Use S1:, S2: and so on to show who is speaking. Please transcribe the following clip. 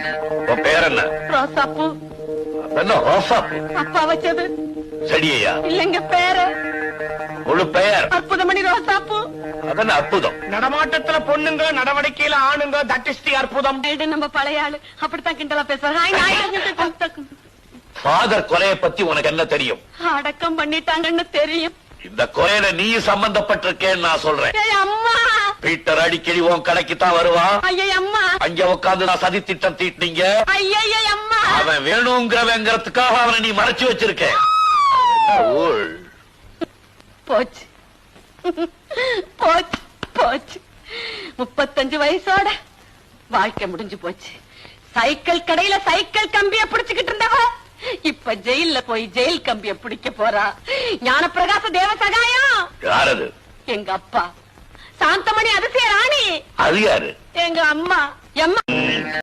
S1: உன் பேர் என்ன?
S2: ரோசாப்பூ.
S1: என்ன ரோசாப்பூ?
S2: அப்பா வச்சது.
S1: செடியா?
S2: இல்லங்க பேரு.
S1: முழு பெயர்?
S2: அற்புதமணி ரோசாப்பூ.
S1: அதென்ன அற்புதம்?
S3: நடமாட்டத்துல பொண்ணுங்க, நடவடிக்கையில ஆணுங்க, தட் இஸ் தி அற்புதம்.
S2: நம்ம பழைய ஆளு அப்படித்தான் கிண்டலா பேசுறாங்க.
S1: ஃபாதர் கொலையை பத்தி உனக்கு என்ன தெரியும்?
S2: அடக்கம் பண்ணிட்டாங்கன்னு தெரியும்.
S1: இந்த கொலையில நீ சம்பந்தப்பட்டிருக்கேன்னு நான் சொல்றேன்.
S2: அம்மா,
S1: பீட்டர் அடிக்கடி உன் கடைக்கு தான் வருவான்.
S2: அம்மா,
S1: அங்க உட்காந்து நான் சதி திட்டம் தீட்டினீங்க.
S2: அம்மா,
S1: அவன் வேணுங்கிறவங்கிறதுக்காக அவனை நீ மறைச்சு வச்சிருக்க.
S2: போச்சு போச்சு போச்சு. 35 வயசோட வாழ்க்கை முடிஞ்சு போச்சு. சைக்கிள் கடையில சைக்கிள் கம்பிய பிடிச்சுக்கிட்டு இருந்தவ இப்ப ஜெயில போய் ஜெயில் கம்பிய பிடிக்க போறா. ஞானப்பிரகாச தேவ சகாயம்.
S1: யாரது?
S2: எங்க அப்பா. சாந்தமணி அதிசய ராணி.
S1: அது யாரு?
S2: எங்க அம்மா.